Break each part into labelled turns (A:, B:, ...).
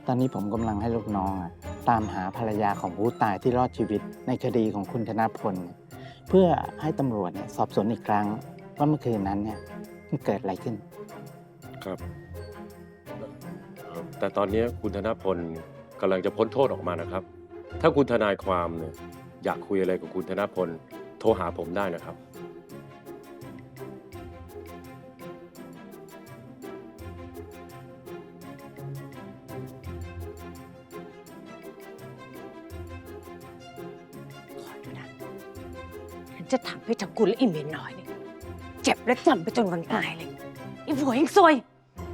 A: ตอนนี้ผมกำลังให้ลูกน้องตามหาภรรยาของผู้ตายที่รอดชีวิตในคดีของคุณธนพลเพื่อให้ตำรวจสอบสวนอีกครั้งว่าเมื่อคืนนั้นมันเกิดอะไรขึ้น
B: ครับแต่ตอนนี้คุณธนพลกำลังจะพ้นโทษออกมานะครับถ้าคุณทนายความเนี่ยอยากคุยอะไรกับคุณธนพลโทรหาผมได้นะครับ
C: จะทำให้ทั้งคุณและอีเมียน้อยเนี่ยเจ็บและจำไปจนวันตายเลยไอ้ผัวยังซวย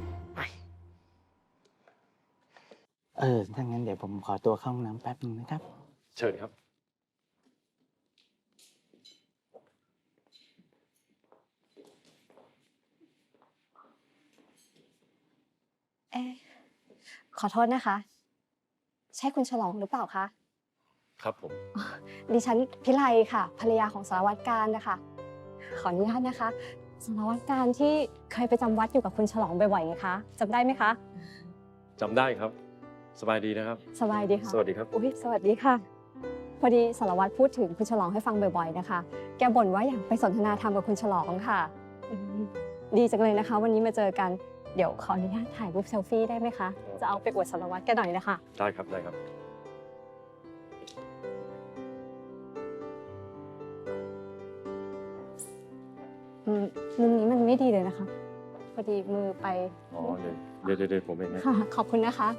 A: ถ้างั้นเดี๋ยวผมขอตัวเข้าห้องน้ำแป๊บนึงนะครับ
B: เชิญครับ
D: ขอโทษนะคะ ใช่คุณฉลองหรือเปล่าคะ
B: ครับผม
D: ดิฉันพิไลค่ะภรรยาของสารวัตรการนะคะขออนุญาตนะคะสารวัตรการที่เคยไปจำวัดอยู่กับคุณฉลองบ่อยๆไงคะจำได้ไหมคะ
B: จำได้ครับสบายดีนะครับ
D: สบายดีค่ะ
B: สวัสดีครับ
D: อุ๊ยสวัสดีค่ะพอดีสารวัตรพูดถึงคุณฉลองให้ฟังบ่อยๆนะคะแกบ่นว่าอยากไปสนทนาธรรมกับคุณฉลองค่ะดีจังเลยนะคะวันนี้มาเจอกันเดี๋ยวขออนุญาตถ่ายรูปเซลฟี่ได้ไหมคะจะเอาไปอวดสารวัตรแกหน่อยนะคะ
B: ได้ครับได้ครับ
D: มุมนี้มันไม่ดีเลยนะคะพอดีมือไป
B: อ๋อเดี๋ยวผมเองนะ
D: ค่ะขอบคุณนะคะ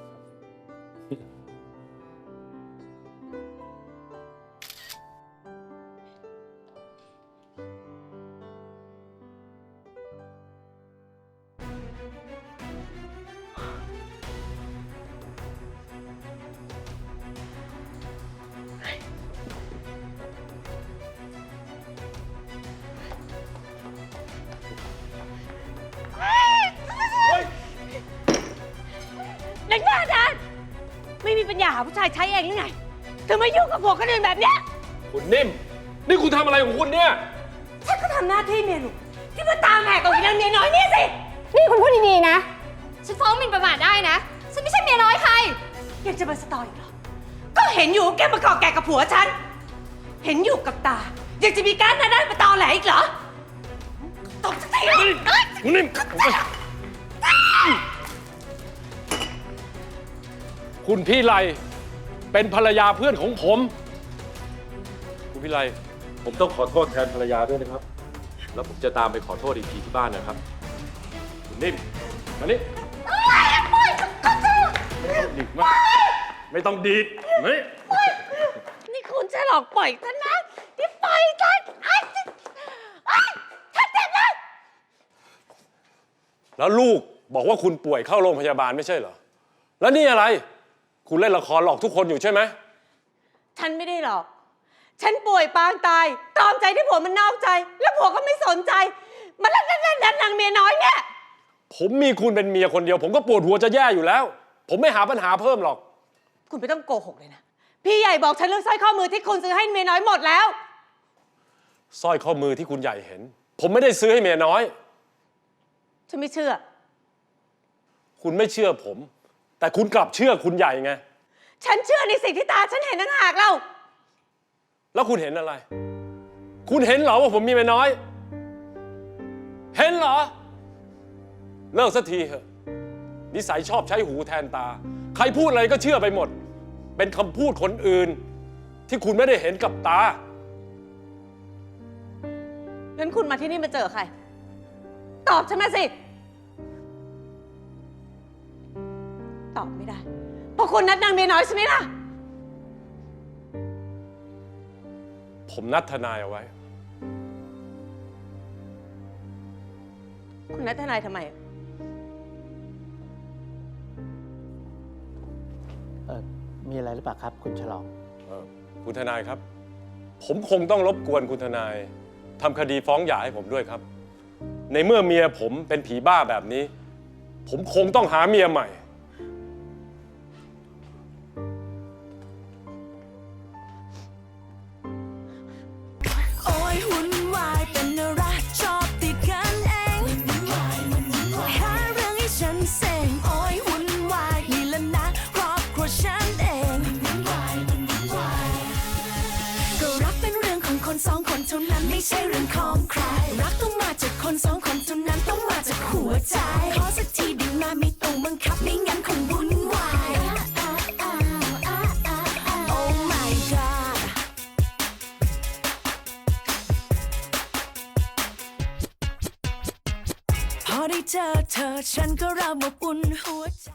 C: นักหน้าด้านไม่มีปัญญาหาผู้ชายใช้เองหรือไงเธอมายุ่งกับผัวคนอื่นแบบเนี้ย
B: คุณนิ่มนี่คุณทำอะไรของคุณเนี่ย
C: ฉันก็ทำหน้าที่เมียหลวงที่มาตามแหกกับอีนางเมียน้อยนี่สิ
D: นี่คุณพูดดีๆนะฉันฟ้องหมิ่นประมาทได้นะฉันไม่ใช่เมียน้อยใคร
C: ยังจะมาสตออีกเหรอก็เห็นอยู่แกมาเกาะแกกับผัวฉันเห็นอยู่กับตายังจะมีการหน้าด้านมาตอแหลอีกเหรอตบสักที
B: คุณนิ่มคุณพี่ไลเป็นภรรยาเพื่อนของผมคุณพี่ไลผมต้องขอโทษแทนภรรยาด้วยนะครับแล้วผมจะตามไปขอโทษอีกทีที่บ้านนะครับคุณนิ่มมานี่ไม่ต้องดีด
C: นี่คุณจะหลอกปล่อยฉันนะที่ปล่อยฉันฉันเจ็บแล้ว
B: แล้วลูกบอกว่าคุณป่วยเข้าโรงพยาบาลไม่ใช่เหรอแล้วนี่อะไรคุณเล่นละครหลอกทุกคนอยู่ใช่ไหม
C: ฉันไม่ได้หรอกฉันป่วยปางตายตรอมใจที่ผัวมันนอกใจแล้วผัวก็ไม่สนใจมันเล่นนางเมียน้อยเนี่ย
B: ผมมีคุณเป็นเมียคนเดียวผมก็ปวดหัวจะแย่อยู่แล้วผมไม่หาปัญหาเพิ่มหรอก
C: คุณไม่ต้องโกหกเลยนะพี่ใหญ่บอกฉันเรื่องสร้อยข้อมือที่คุณซื้อให้เมียน้อยหมดแล้ว
B: สร้อยข้อมือที่คุณใหญ่เห็นผมไม่ได้ซื้อให้เมียน้อย
C: ฉันไม่เชื่อ
B: คุณไม่เชื่อผมแต่คุณกลับเชื่อคุณใหญ่ไง
C: ฉันเชื่อในสิ่งที่ตาฉันเห็นต่างหากเรา
B: แล้วคุณเห็นอะไรคุณเห็นเหรอว่าผมมีเมียน้อยเห็นเหรอเลิกสักทีเถอะนิสัยชอบใช้หูแทนตาใครพูดอะไรก็เชื่อไปหมดเป็นคำพูดคนอื่นที่คุณไม่ได้เห็นกับตา
C: งั้นคุณมาที่นี่มาเจอใครตอบฉันมาสิตอบไม่ได้เพราะคุณนัดนางเมียน้อยใช่ไหมล่ะ
B: ผมนัดทนายเอาไว้
C: คุณนัดทนายทำไม
A: มีอะไรหรือเปล่าครับคุณฉลอง
B: คุณทนายครับผมคงต้องรบกวนคุณทนายทำคดีฟ้องหย่าให้ผมด้วยครับในเมื่อเมียผมเป็นผีบ้าแบบนี้ผมคงต้องหาเมียใหม่
E: ไม่ใช่เรื่องของใคร รักต้องมาจากคนสองคนเท่านั้นต้องมาจากหัวใจ ขอสักทีได้มาไม่ต้องบังคับไม่งั้นคงวุ่นวาย Oh my god พอได้เจอเธอฉันก็เริ่มอบอุ่นหัวใจ